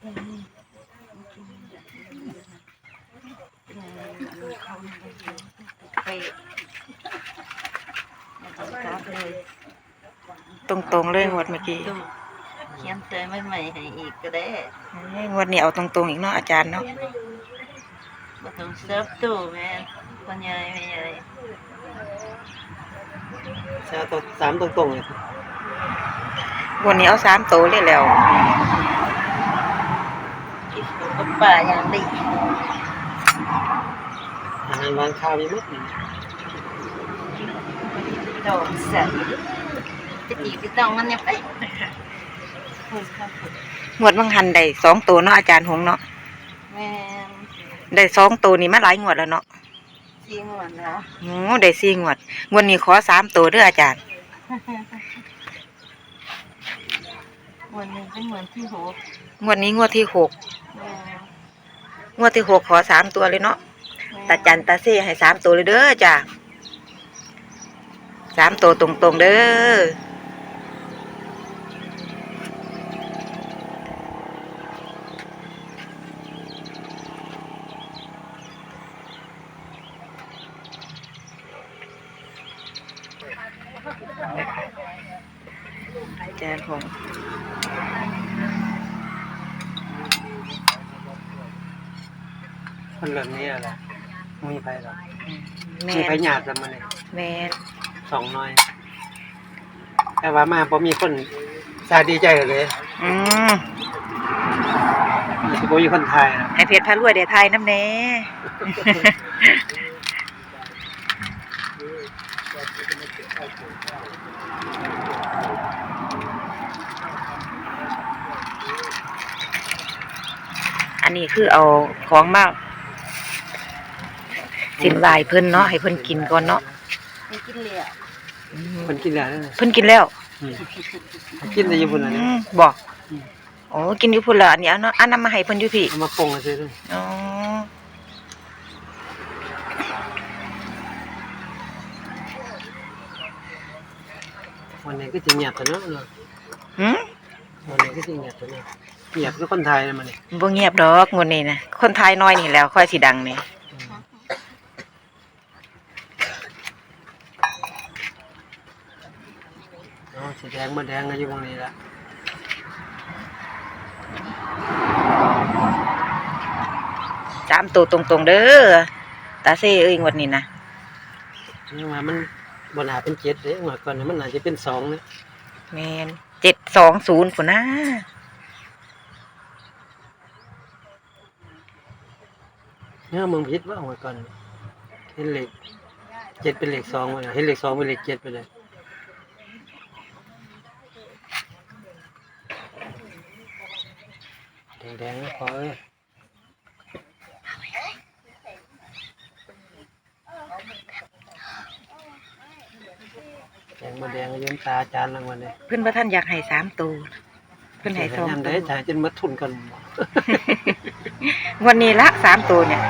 ไปกราฟเลยตรงๆเลยงวดเมื่อกี้เขียนเตยใหม่ๆให้อีกก็ได้งวดนี้เอาตรงๆอีกเนาะอาจารย์เนาะบ่ต้องเซิร์ฟตู้แม่พ่อใหญ่แม่ใหญ่ใช่ตัวสามตรงๆเลยงวดนี้เอา3ตัวเลยแล้วกินกับป่าอย่างดีอาหารวางข้าวมีมั้ยดอกใส่จะตีไปต้องมันยังไปงวดบางหันได้2ตัวเนาะอาจารย์หงเนาะแม่ได้2ตัวนี่มาหลายงวดแล้วเนาะซีงวนแล้วโอ้ได้4งวดงวดนี้ขอ3ตัวเด้ออาจารย์วันนี้เป็นเหมือนที่หกงวดนี้งวดที่6งวดที่6ขอ3ตัวเลยเนาะตาจันตาเซ่ให้3ตัวเลยเด้อจ้ะ3ตัวตรงๆเด้ออาจารย์หงคนแบบนี้อะไรมีไผหรอแม่มีไผหยาดแล้วมันเลยแม่น 2น้อยแต่ว่ามาบ่มีคนสาดีใจเลยอืมสิบ่มีคนไทยนะให้เพชรพารวยได้ทายน้ำแน่ อันนี้คือเอาของมาสินวายเพิ่นเนาะให้เพิ่นกินก่อนเนาะไม่กินเหลี่ยคนกินแล้วเพิ่นกินแล้วกินได้อยู่พุ่นน่ะบอกโอ้กินอยู่พุ่นละอันนี้เอาเนาะอันนั้นมาให้เพิ่นอยู่พี่เอามาปรุงซื่ออ๋อวันนี้ก็สิเงียบซะเนาะหืมวันนี้ก็สิเงียบซะเนาะเงียบคือคนไทยนะมันนี่บ่เงียบดอกงวดนี้นะคนไทยน้อยนี่แหล้วค่อยสิดังนี่สีแดงมาแดงก็อยู่ตรงนี้ละ 3ตัวตรงๆเด้อตาเซ่เอ้ยงวดนี้นะนี่ว่ามันบ่น่าเป็น7เด้ว่าก่อนมันน่าจะเป็น2นะแม่น720พุ่นนะเนี่ยมึงผิดว่าว่าก่อนเห็นเลข7เป็นเลข2ว่าเห็นเลข2เป็นเลข7ไปเลยแดงๆก็พอเอ้ยแดงมาแดงก็ยืมตาอาจารย์รางวัลเลยเพิ่นบ่ทันอยากให้3ตัวเพิ่นให้2 ตัตัว วจ่ายจนหมดทุนกันวันนี้ละ3ตัวเนี่ย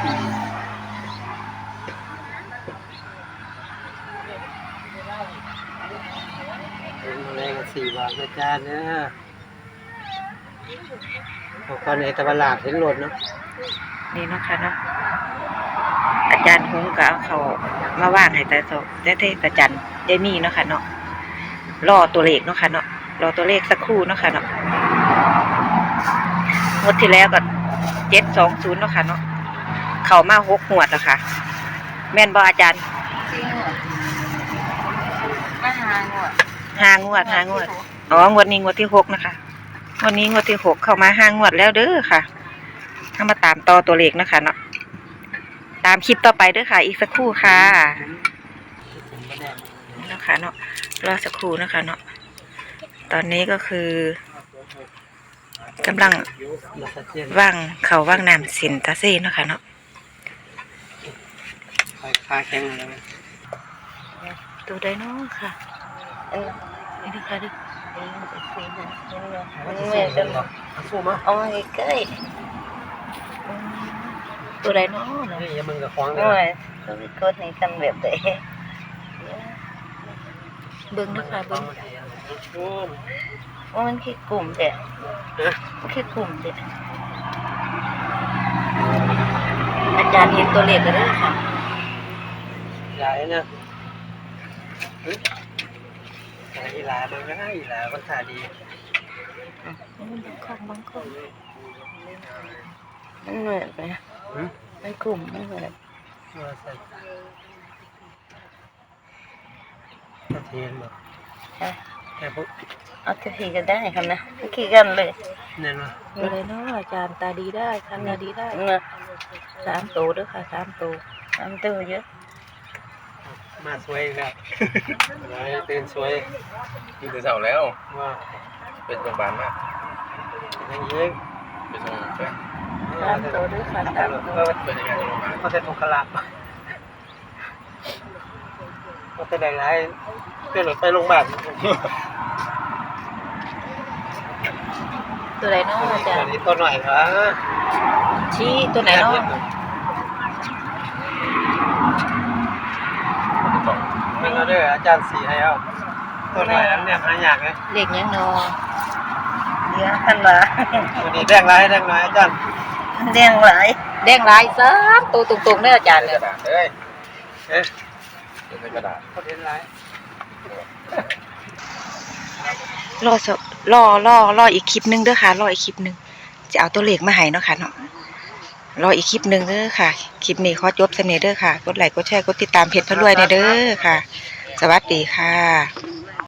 เป็นอะไรกัน4 บาทอาจารย์เนี่ยพอก่อนในตะวันหลาดเห็นรถเนาะนี่เนาะค่ะเนาะอาจารย์หงก็เอาเขามาว่างให้แต่ตาจันได้มีเนาะค่ะเนาะรอตัวเลขเนาะค่ะเนาะรอตัวเลขสักครู่เนาะค่ะเนาะงวดที่แล้วก็720เนาะค่ะเนาะเข้ามา6งวดแล้วค่ะ แม่นบ่อาจารย์ซีงวนมาหางวด 5 งวดอ๋องวดนี้งวดที่6นะคะงวดนี้งวดที่6เข้ามา5 งวดแล้วเด้อค่ะถ้ามาตามต่อตัวเลขนะคะเนาะตามคลิปต่อไปเด้อค่ะ อีกสักครู่ค่ะนะคะเนาะรอสักครู่นะคะเนาะตอนนี้ก็คือกำลังว่างเขาว่างน้ำสินตาเซ่เนาะค่ะเนาะขาแข็งอะไรไหมตัวไดโน่ค่ะนี่นะคะดิมันเหมือนกันสู้มั้ยเอาให้ใกล้ตัวไดโน่เนาะนี่ยังมึงกับควางเลโอ้ยยต้องไปกดให้กันแบบไหนเบิ้งนะคะเบิ้งว่ามันคือกลุ่มเด็ดมันคือกลุ่มเด็ดจารย์เห็นตัวเลขแล้วเด้อค่ะหลายนะอีหลามันก็ได้อีหลามันถ่ายดีบางคนมันเหมือนไหมมันกลุ่มมันเหมือนว่าใส่ตะเทียนบอกแต่พวกเอาจะทีกันได้ครับนะขี่กันเลยเนี่ยนะอะไรเนาะอาจารย์ตาดีได้ทำตาดีได้เนาะ 3 ตัวเด้อค่ะ3 ตัวทำตัวเยอะมาสวยอีกแล้วตื่นสวยตื่นแต่เช้าแล้วว่าเป็นโรงพยาบาลมากอย่างนี้เป็นโรงพยาบาล 3 ตัวเด้อค่ะ3 ตัวเป็นยังไงโรงพยาบาลเขาจะทุกขลับเขาจะได้ไรเพื่อนหลุดไปโรงพยาบาลตัวไหนเนาะอาจารอันย์นี้ตัวหน่อยครับชี้ตัวไหนเนาะเป็นเราด้วยอาจารย์สีให้เอาตัวหน่อยนั้นเนี่ยหายากเลยเลขยังเนาะเยอะทันละวันนี้แดงไรแดงน้อยอาจารย์เลี้ยงหลายแดงหลาย3ตัวตรงๆเด้ออาจารย์กเลยระดาษเอ้ยเอ๊ะเป็นกระดาษเขาเห็นไรรออีกคลิปนึงเด้อค่ะรออีกคลิปนึงจะเอาตัวเลขมาให้เนาะค่ะเนาะรออีกคลิปนึงเด้อค่ะคลิปนี้ขอจบเสนอเด้อค่ะกดไลค์กดแชร์กดติดตามเพจพระรวยเด้อค่ะ สวัสดีค่ะ